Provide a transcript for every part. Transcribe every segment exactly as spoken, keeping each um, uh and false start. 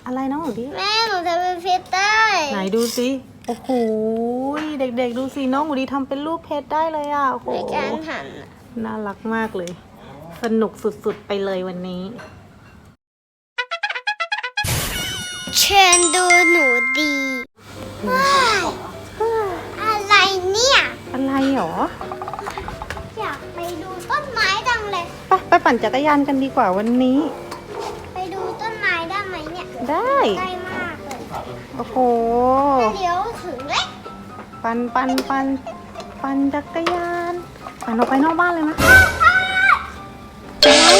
อะไรน้องหนูดิแม่หนูจะเป็นเพชรได้ไหนดูสิโอ้โหเด็กๆดูสิน้องหนูดีทำเป็นรูปเพชรได้เลยอ่ะโอ้โหในการหันน่ารักมากเลยสนุกสุดๆไปเลยวันนี้เชิญดูหนูดีว้าวอะไรเนี่ยอะไรหรออยากไปดูต้นไม้จังเลยไปไปปั่นจักรยานกันดีกว่าวันนี้ไปดูต้นไม้ได้ไหมเนี่ยได้ใกล้มากเลยโอ้โหเดี๋ยวถึงเลยปั่นปั่นปั่นปั่นจักรยานปั่นออกไปนอกบ้านเลยไหมอะไร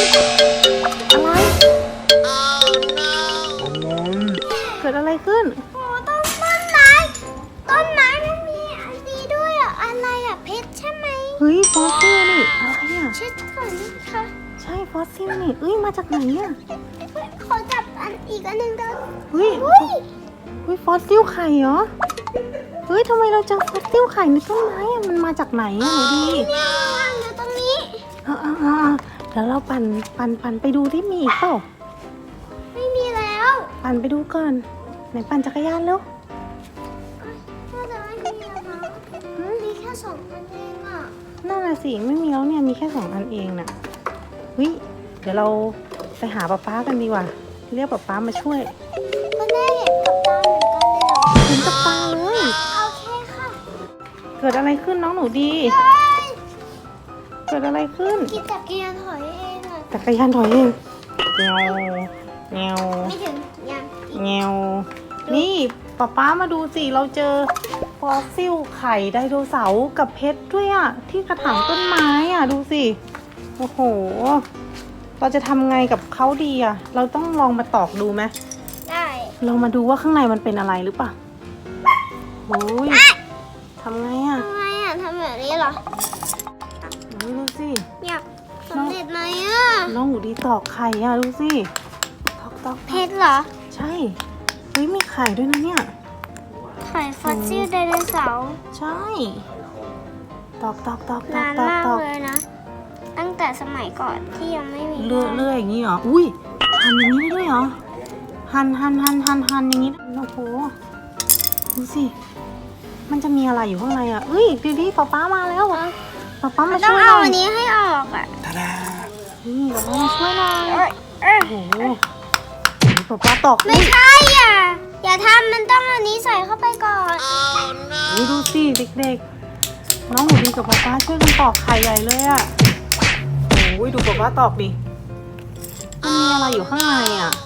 เกิดอะไรขึ้นโอ้ต้นต้นไม้ต้นไม้มันมีอันนี้ด้วยอ่ะอะไรอ่ะเพชรใช่ไหมเฮ้ยฟอสซิลนี่อะไรอ่ะเช็ดก่อนนะคะใช่ฟอสซิลนี่เอ้ยมาจากไหนอ่ะขอจับอันอีกอันหนึ่งเด้อเฮ้ยเฮ้ยฟอสซิลไข่เหรอเฮ้ยทำไมเราเจอฟอสซิลไข่ในต้นไม้อ่ะมันมาจากไหนอ่ะหนูดีเนี่ยวางอยู่ตรงนี้อ่าอ่าอ่าเดี๋ยวเราปั่นปั่นปั่นไปดูที่มีอีกเปล่าไม่มีแล้วปั่นไปดูก่อนไหนปั่นจักรยานเร็วน่าจะไม่มีแล้วนะมีแค่สองอันเองอ่ะนั่นน่ะสิไม่มีแล้วเนี่ยมีแค่สองอันเองน่ะเฮ้ยเดี๋ยวเราไปหาป๊าป๊ากันดีกว่าเรียกป๊าป๊ามาช่วยก็ได้เห็นกับตาเหมือนกันเลยเหรอเห็นกับตาเลยโอเคค่ะเกิดอะไรขึ้นน้องหนูดีเกิดอะไรขึ้นกินจักรยานถอยเองอ่ะจักรยานถอยเองเงาเงาไม่ถึงยังเงานี่ป๊าป๊ามาดูสิเราเจอฟอสซิลไข่ไดโนเสาร์กับเพชรด้วยอ่ะที่กระถางต้นไม้อ่ะดูสิโอ้โหเราจะทำไงกับเขาดีอ่ะเราต้องลองมาตอกดูไหมได้ลองมาดูว่าข้างในมันเป็นอะไรหรือเปล่าโอ้ยทำไงอ่ะทำไงอ่ะทำแบบนี้เหรอดูสิอยากสำเร็จไหมอ่ะน้องหนูดีตอกไข่อ่ะดูสิตอกตอกเพชรเหรอใช่เฮ้ยมีไข่ด้วยนะเนี่ยไข่ฟอสซิลไดโนเสาร์ใช่ตอกตอกตอกตอกนานมากเลยนะตั้งแต่สมัยก่อนที่ยังไม่มีเลื่อยเลื่อยอย่างนี้เหรออุ้ยหั่นอย่างนี้ได้ด้วยเหรอหั่นหั่นหั่นหั่นหั่นอย่างนี้โอ้โหดูสิมันจะมีอะไรอยู่ข้างในอ่ะเอ้ยดูดิป๊าป๊ามาแล้วอ่ะป๊าป๊ามาช่วยหน่อยต้องเอาอันนี้ให้ออกอ่ะนี่ป๊าป๊ามาช่วยหน่อยโอ้โหป๊าป๊าตอกไม่ใช่อ่ะอย่าทำมันต้องอันนี้ใส่เข้าไปก่อนโอ้ดูสิเด็กๆน้องหนูดีกับป๊าป๊าช่วยกันตอกไข่ใหญ่เลยอ่ะโอ้ยดูป๊าป๊าตอกดิมันมีอะไรอยู่ข้างในอ่ะ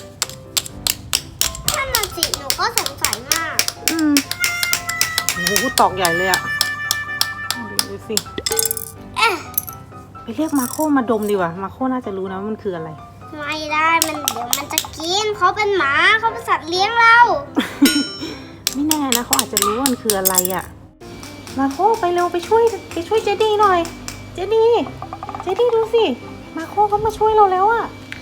ถ้ามันสิหนูก็สงสัยมากอืมโอ้โหตอกใหญ่เลยอ่ะดูสิเอ๊ะไปเรียกมาโคมาดมดีกว่ามาโคน่าจะรู้นะว่ามันคืออะไรไม่ได้มันเดี๋ยวมันจะกินเขาเป็นหมาเขาเป็นสัตว์เลี้ยงเราไม่แน่นะเขาอาจจะรู้ว่ามันคืออะไรอ่ะมาโคไปเร็วไปช่วยไปช่วยเจดีหน่อยเจดีเจดีดูสิมาโคเขามาช่วยเราแล้วอ่ะ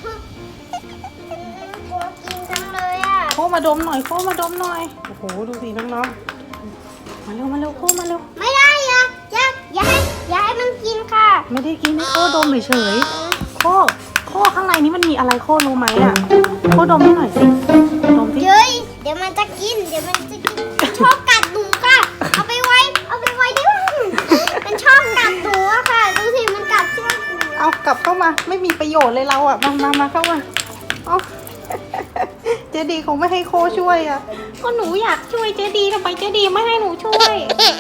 กลัวกินจังเลยอ่ะโคมาดมหน่อยโคมาดมหน่อยโอ้โหดูสิน้องๆมาเร็วมาเร็วโคมาเร็วไม่ได้อย่าอย่าอย่าให้อย่าให้มันกินค่ะไม่ได้กินให้โคดมเฉยๆโคโคข้างในนี้มันมีอะไรโครู้ไหมอ่ะโคดมให้หน่อยสิดมสิเย้ยเดี๋ยวมันจะกินเดี๋ยวมันจะกินชอบกัดหนูค่ะเอาไปไว้เอาไปไว้ได้ไหมมันชอบกัดหนูอะค่ะดูสิมันกัดเชือกเอากลับเข้ามาไม่มีประโยชน์เลยเราอ่ะมามามาเข้ามาเอาเจดีคงไม่ให้โคช่วยอ่ะก็หนูอยากช่วยเจดีทำไมเจดีไม่ให้หนูช่วย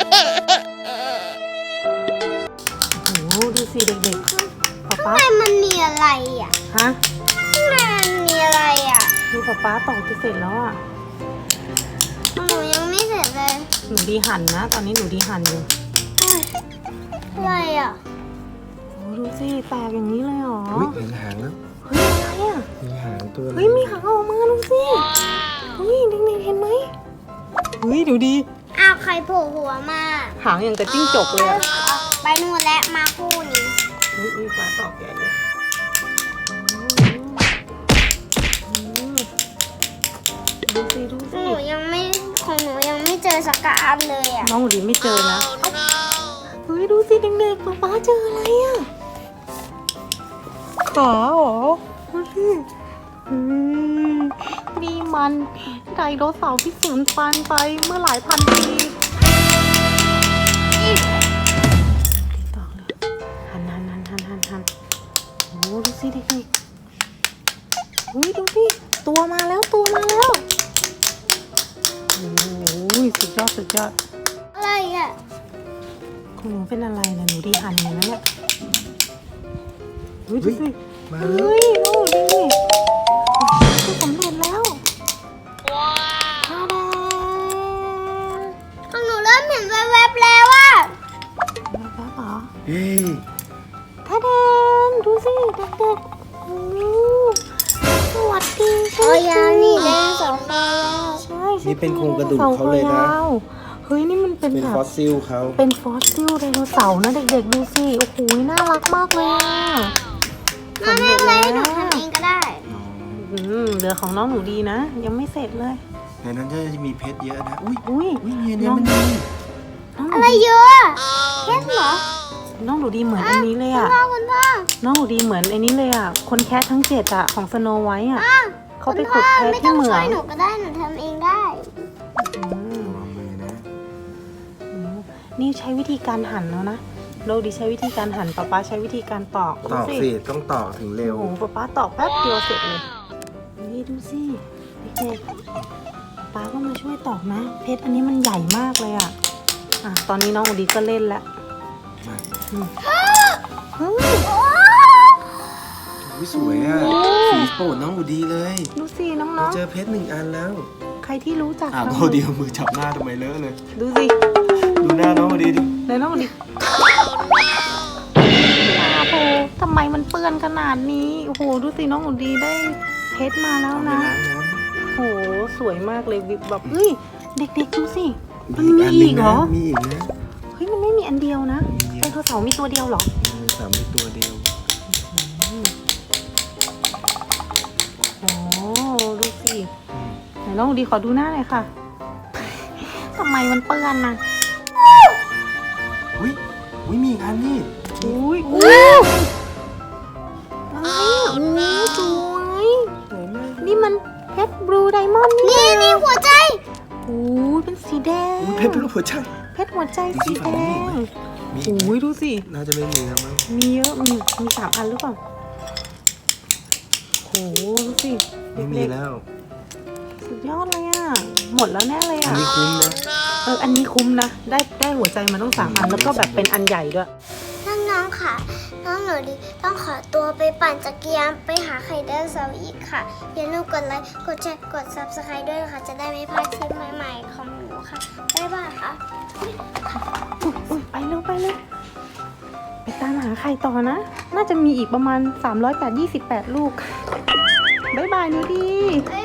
โอ้โหดูสิเด็กๆป๊าป๊าข้างในมันมีอะไรอ่ะฮะข้างในมันมีอะไรอ่ะดูป๊าป๊าตอกจะเสร็จแล้วอ่ะหนูยังไม่เสร็จเลยหนูดีหั่นนะตอนนี้หนูดีหั่นอยู่อะไรอ่ะโอ้ดูสิแตกอย่างนี้เลยเหรอเฮ้ยเห็นหางแล้วเฮ้ยอะไรอ่ะมีหางตัวเฮ้ยมีหางออกมาดูสิเฮ้ยเด็กๆเห็นไหมเฮ้ยดูดีอ้าวใครโผล่หัวมาหางอย่างกับจิ้งจกเลยอ่ะไปนู่นและมาคู่นี้อุ้ยอุ้ยปลาตอกใหญ่เลยดูสิดูสิหนูยังไม่ของหนูยังไม่เจอสักอันเลยอ่ะน้องหนูดีไม่เจอนะเฮ้ยดูสิเด็กๆป๊าป๊าเจออะไรอ่ะขาเหรอดูสิดีมันไดโนเสาร์ที่สูญพันธุ์ไปเมื่อหลายพันปีต่อเลยหันหันหันหันหันหันโอ้ดูสิเด็กๆอุ้ยดูสิตัวมาแล้วตัวมาแล้วโอ้ยสุดยอดสุดยอดอะไรอ่ะคุณหนูเป็นอะไรนะหนูดีหันเลยนะเนี่ยอุ้ยดูสิมาเฮแล้ว้ยโอ้ดีคือสำเร็จแล้วว้าวทาดาของหนูเริ่มเห็นแวบๆแล้วอ่ะแล้วก็เหรอเฮ้ยทาดาดูสิเด็กๆโอ้สวัสดีโอ้ยานี่ได้สองตัวใช่ใช่นี่เป็นโครงกระดูกเขาเลยนะเฮ้ยนี่มันเป็นเป็นแบบฟอสซิลเขาเป็นฟอสซิลไดโนเสาร์นะเด็กๆดูสิโอ้โหน่ารักมากเลยอ่ะมาแม่เลยหนูทำเองก็ได้อืมเหลือของน้องหนูดีนะ ยังไม่เสร็จเลยในนั้นจะมีเพชรเยอะนะ อุ้ยอุ้ยอุ้ยเนี่ยเนี่ยมันมีน้องหนูอะไรดีเยอะอะเพชรเหรอน้องหนูดีเหมือนอันนี้เลยคุณอ่ะพ่อคุณพ่อน้องหนูดีเหมือนไอ้นี้เลยอ่ะคนแคททั้งเจ็ดอ่ะของสโนไวท์อ่ะอ่ะเขาไปคุณขุพ่ดอเพชรไม่ที่ต้องเหมืช่อวยงหนูก็ได้หนูทำเองได้อืมระวังมือนะอืมนี่ใช้วิธีการหั่นแล้วนะโดดีใช้วิธีการหั่นป๊าป๊าใช้วิธีการตอกตอกสิต้องตอกถึงเร็วโอ้โหป๊าป๊าตอกแป๊บเดียวเสร็จเลยนี่ดูสิเด็กๆป๊าก็มาช่วยตอกนะ เพชรอันนี้มันใหญ่มากเลยอ่ะอ่ะตอนนี้น้องหนูดีก็เล่นแล้วอืมเฮ้ยอุ้ยสวยอ่ะ สีโปรดน้องอูดีเลยดูสิน้เราองเจอเพชรหนึ่งอันแล้วๆใครที่รู้จักอ่ะน้โดองเดียวมือจับหน้าทำไมเลอะเลยดูสิดูหน้าน้องอูดีดิในน้องดิโอ้โหทำไมมันเปื้อนขนาดนี้ โอ้โห ดูสิน้องอุดีได้เพชรมาแล้วเอาไปนะล้างน้โอ้โห สวยมากเลยวิบแบบเฮ้ย เด็กๆดูสิำมันมีอันหอีนึ่งกเหรนะอมีอีกนะเฮ้ย มันไม่มีอันเดียวนะมีเดียวไดโนเสาร์มีตัวเดียวเหรอมีสามมีตัวเดียวอืมโอ้ดูสิอืมไหนน้องอุดีขอดูหน้าหน่อยค่ะ ทำไมมันเปื้อนนะอุ้ยอุ้ยมีอีกอันนี่อุ้ยอุ้ยอะไรอ่ะโอ้สวยสวยมากนี่มันเพชรบลูไดมอนด์นี่นี่นี่หัวใจโอ้ยเป็นสีแดงอุ้ยเพชรรูปหัวใจเพชรหัวใจสีแดงมีอีกไหมโอ้ยดูสิน่าจะไม่มีแล้วมั้งมีเยอะมีมีสามอันหรือเปล่าโอ้โหดูสิไม่มีเล็กแล้วๆสุดยอดเลยอ่ะ หมดแล้วแน่เลยอันอ่ะนี้คุ้มนะเอออันนี้คุ้มนะ ได้ได้หัวใจมาต้องสามอัน แล้วก็แบบเป็นอันใหญ่ด้วยน้องๆค่ะ น้องหนูดีต้องขอตัวไปปั่นจักรยานไปหาไข่ไดโนเสาร์อีกค่ะ อย่าลืมกดไลค์ กดแชร์ กด ซับสไครบ์ ด้วยค่ะ จะได้ไม่พลาดคลิปใหม่ๆของหนูค่ะ บ๊ายบายค่ะอุ๊ยอุ๊ยไปเร็วไปเร็วไปตามหาไข่ต่อนะ น่าจะมีอีกประมาณสามร้อยแปดยี่สิบแปดลูก บ๊ายบายหนูดีบ๊าย